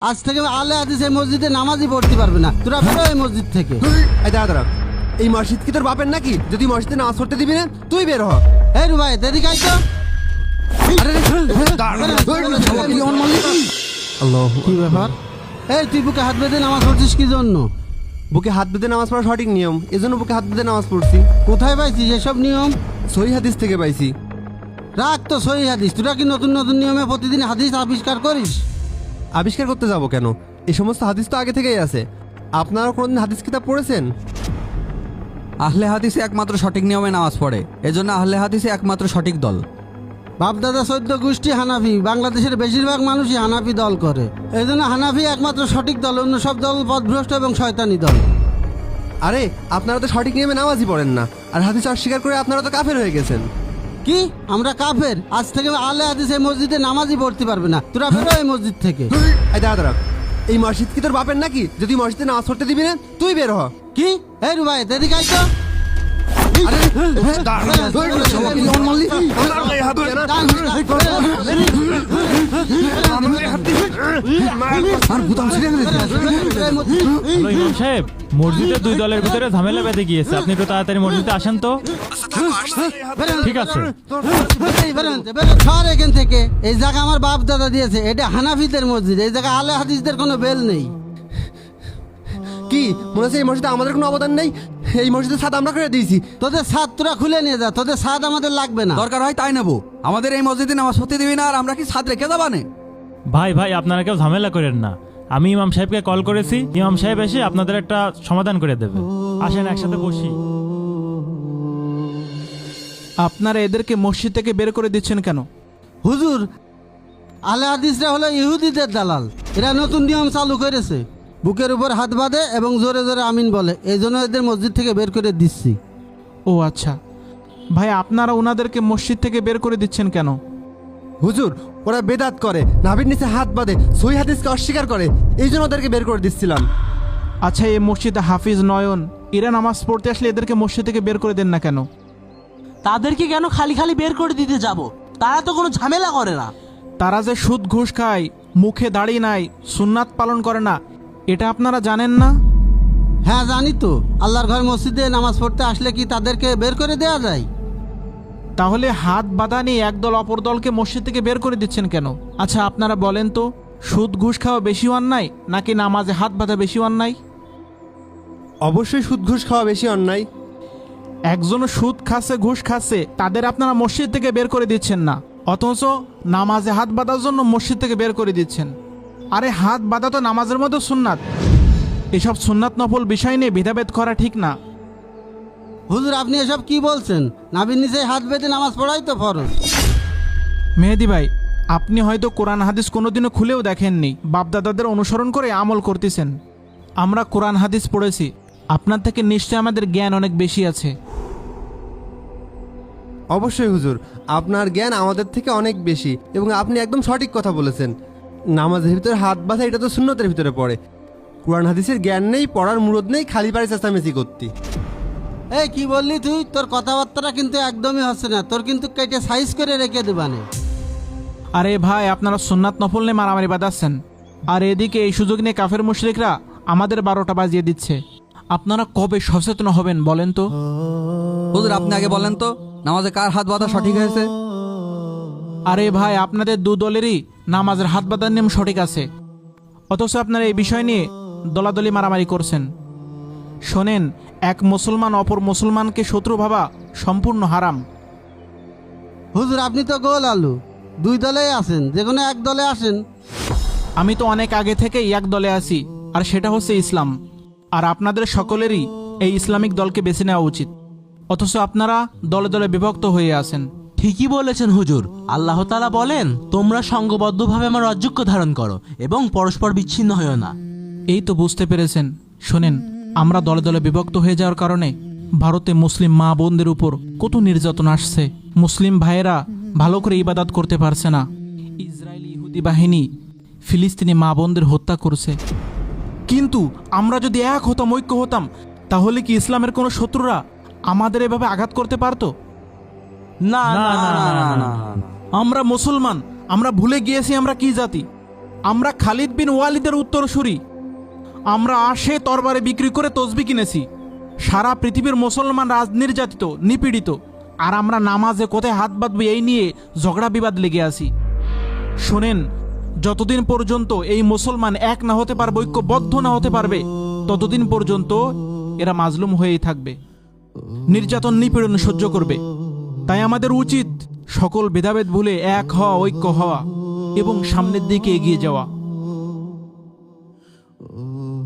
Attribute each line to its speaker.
Speaker 1: আজ থেকে আলে হাদিস এই মসজিদে নামাজই পড়তে পারবে না। তোরা বেরো এই মসজিদ থেকে।
Speaker 2: এই দাঁড়া, এই মসজিদ কি তোর বাপের নাকি? যদি মসজিদে নামাজ পড়তে দিবি না তুই বের হ।
Speaker 1: এই রুবাই এদিকে আয় তো।
Speaker 2: আল্লাহু
Speaker 1: কি ব্যাপার? এই তুই বুকে হাত বেঁধে নামাজ পড়ছিস কি জন্য?
Speaker 2: বুকে হাত বেঁধে নামাজ পড়া সঠিক নিয়ম, এজন্য বুকে হাত বেঁধে নামাজ পড়ছি।
Speaker 1: কোথায় পাইছিস এসব নিয়ম?
Speaker 2: সহিহ হাদিস থেকে পাইছি।
Speaker 1: রাখ তো সহি হাদিস। তোরা কি নতুন নতুন নিয়মে প্রতিদিন হাদিস আবিষ্কার করিস?
Speaker 2: আবিষ্কার করতে যাব কেন? এই সমস্ত হাদিস তো আগে থেকেই আছে। আপনারা কোনদিন হাদিস কিতাব পড়েছেন?
Speaker 3: আহলে হাদিসে একমাত্র সঠিক নিয়মে নামাজ পড়ে, এজন্য আহলে হাদিসে একমাত্র সঠিক দল।
Speaker 1: বাপদাদা 14 গোষ্ঠী হানাফি। বাংলাদেশের বেশিরভাগ মানুষই হানাফি দল করে। এই জন্য হানাফি একমাত্র সঠিক দল, অন্য সব দল পথভ্রষ্ট এবং শয়তানি দল।
Speaker 2: আরে আপনারা তো সঠিক নিয়মে নামাজই পড়েন না, আর হাদিস অস্বীকার করে আপনারা তো কাফের হয়ে গেছেন।
Speaker 1: কি আমরা কাফের? আজ থেকে আলে হাদিস এই মসজিদে নামাজই পড়তে পারবে না। তোরা বেরো এই মসজিদ থেকে।
Speaker 2: এই দাঁড়া, এই মসজিদ কি তোর বাপের নাকি? যদি মসজিদে নামাজ পড়তে দিবি না তুই বের হ।
Speaker 1: কি? এই রুবাই এদিকে আয় তো।
Speaker 4: ইমাম সাহেব, মসজিদে দুই দলের ভিতরে ঝামেলা বেঁধে গিয়েছে, আপনি একটু তাড়াতাড়ি মসজিদে আসেন তো। ঠিক আছে।
Speaker 1: সর এখান থেকে। এই জায়গা আমার বাপ দাদা দিয়েছে। এটা হানাফিদের মসজিদ। এই জায়গা আলে হাদিসদের কোনো বেল নেই।
Speaker 2: কি মনে হচ্ছে এই মসজিদে আমাদের কোনো অবদান নেই? এই মসজিদের ছাদ আমরা করে দিয়েছি।
Speaker 1: তোদের ছাদ তোরা খুলে নিয়ে যা। তোদের ছাদ আমাদের লাগবে না।
Speaker 3: দরকার হয় তাই নেব। আমাদের এই মসজিদে নামাজ পড়তে দিবি না, আর আমরা কি ছাদ রেখে যাবানে?
Speaker 4: ভাই ভাই, আপনারা কেউ ঝামেলা করেন না। আমি ইমাম সাহেবকে কল করেছি, ইমাম সাহেব এসে আপনাদের একটা সমাধান করে দেবে। আসেন একসাথে বসি।
Speaker 5: আপনারা এদেরকে মসজিদ থেকে বের করে দিচ্ছেন কেন?
Speaker 1: হুজুর, আলে হাদিসরা হলো ইহুদিদের দালাল। এরা নতুন নিয়ম চালু করেছে। বুকের উপর হাত বাঁধে এবং জোরে জোরে আমিন বলে। এই জন্য এদের মসজিদ থেকে বের করে দিচ্ছি।
Speaker 5: ও আচ্ছা ভাই, আপনারা ওনাদেরকে মসজিদ থেকে বের করে দিচ্ছেন কেন?
Speaker 2: হুজুর, ওরা বেদাত করে, নাভির নিচে হাত বাঁধে, সহিহ হাদিসকে অস্বীকার করে, এই জন্য ওদেরকে বের করে দিচ্ছিলাম।
Speaker 5: আচ্ছা, এই মসজিদে হাফিজ নয়ন এরা নামাজ পড়তে আসলে এদেরকে মসজিদ থেকে বের করে দেন না কেন?
Speaker 6: তাদেরকে কেন খালি খালি বের করে দিতে যাব? তারা তো কোনো ঝামেলা করে না।
Speaker 5: তারা যে সুদ ঘুষ খায়, মুখে দাড়ি নাই, সুন্নাত পালন করে না, এটা আপনারা জানেন না?
Speaker 1: হ্যাঁ জানি তো। আল্লাহর ঘর মসজিদে নামাজ পড়তে আসলে কি তাদেরকে বের করে দেওয়া যায়?
Speaker 5: তাহলে হাত বাঁধা নিয়ে একদল অপর দলকে মসজিদ থেকে বের করে দিচ্ছেন কেন? আচ্ছা আপনারা বলেন তো, সুদ ঘুষ খাওয়া বেশি অন্যায় নাকি নামাজে হাত বাঁধা বেশি অন্যায়?
Speaker 2: অবশ্যই সুদ ঘুষ খাওয়া বেশি অন্যায়।
Speaker 5: একজন সুদ খাচ্ছে, ঘুষ খাচ্ছে, তাদের আপনারা মসজিদ থেকে বের করে দিচ্ছেন না, অথচ নামাজে হাত বাঁধার জন্য মসজিদ থেকে বের করে দিচ্ছেন। আরে হাত বাঁধা তো নামাজের মধ্যে সুন্নাত। এসব সুন্নাত নফল বিষয় নিয়ে ভেদাভেদ করা ঠিক না।
Speaker 1: হুজুর, আপনি এসব কি বলছেন? নাভির নিচে হাত বেঁধে নামাজ পড়াই তো ফরজ।
Speaker 5: মেহেদি ভাই, আপনি হয়তো কোরআন হাদিস কোনোদিনও খুলেও দেখেননি, বাপদাদাদের অনুসরণ করে আমল করতেছেন। আমরা কোরআন হাদিস পড়েছি, আপনার থেকে নিশ্চয়ই আমাদের জ্ঞান অনেক বেশি আছে।
Speaker 2: অবশ্যই হুজুর, আপনার জ্ঞান আমাদের থেকে অনেক বেশি এবং আপনি একদম সঠিক কথা বলেছেন। নামাজের ভিতরে হাত বাঁধা এটা তো সুন্নতের ভিতরে পড়ে। কোরআন হাদিসের জ্ঞান নেই, পড়ার মুরদ নেই, খালি পারে চেঁচামেচি করতি।
Speaker 1: এই কি বললি তুই? তোর কথাবার্তাটা কিন্তু একদমই হচ্ছে না। তোর কিন্তু কেটে সাইজ করে রেখে দেবানে।
Speaker 5: আরে ভাই, আপনারা সুন্নাত নফল নিয়ে মারামারি বাঁধাচ্ছেন, আর এদিকে এই সুযোগ নিয়ে কাফের মুশরিকরা আমাদের 12টা বাজিয়ে দিচ্ছে। আপনারা কবে সচেতন হবেন বলেন তো?
Speaker 3: হুজুর, আপনি আগে বলেন তো, নামাজে কার হাত বাঁধা সঠিক হয়েছে?
Speaker 5: আরে ভাই, আপনাদের দু দলেরই নামাজের হাত বাঁধার নিয়ম সঠিক আছে, অথচ আপনারা এই বিষয় নিয়ে দলাদলি মারামারি করছেন। শোনেন, এক মুসলমান অপর মুসলমানকে শত্রু ভাবা সম্পূর্ণ হারাম।
Speaker 1: হুজুর, আপনি তো গোল আলু। দুই দলেই আছেন, যে কোনো এক দলে আসেন।
Speaker 5: আমি তো অনেক আগে থেকেই এক দলে আছি, আর সেটা হচ্ছে ইসলাম। আর আপনাদের সকলেরই এই ইসলামিক দলকে বেছে নেওয়া উচিত, অথচ আপনারা দলে দলে বিভক্ত হয়ে আছেন।
Speaker 6: ঠিকই বলেছেন হুজুর। আল্লাহ তাআলা বলেন, তোমরা সংঘবদ্ধভাবে আমার রাজ্যক্য ধারণ করো এবং পরস্পর বিচ্ছিন্ন হয়েও না।
Speaker 5: এই তো বুঝতে পেরেছেন। শোনেন, আমরা দলে দলে বিভক্ত হয়ে যাওয়ার কারণে ভারতে মুসলিম মা বোনদের উপর কত নির্যাতন আসছে। মুসলিম ভাইয়েরা ভালো করে ইবাদত করতে পারছে না। ইসরায়েলি ইহুদি বাহিনী ফিলিস্তিনি মা বোনদের হত্যা করছে। কিন্তু আমরা যদি এক হতাম, ঐক্য হতাম, তাহলে কি ইসলামের কোনো শত্রুরা আমাদের এভাবে আঘাত করতে পারতো?
Speaker 6: না না না না না।
Speaker 5: আমরা মুসলমান, আমরা ভুলে গিয়েছি আমরা কি জাতি। আমরা খালিদ বিন ওয়ালিদের উত্তরসূরি। আমরা আসে তরবারে বিক্রি করে তসবি কিনেছি। সারা পৃথিবীর মুসলমান নির্যাতিত, নিপীড়িত, আর আমরা নামাজে কোথায় হাত বাঁধবো এই নিয়ে ঝগড়া বিবাদ লেগে আছি। শোনেন, যতদিন পর্যন্ত এই মুসলমান এক না হতে পারবে, ঐক্যবদ্ধ না হতে পারবে, ততদিন পর্যন্ত এরা মাজলুম হয়েই থাকবে, নির্যাতন নিপীড়ন সহ্য করবে। তাই আমাদের উচিত সকল ভেদাভেদ ভুলে এক হওয়া, ঐক্য হওয়া এবং সামনের দিকে এগিয়ে যাওয়া।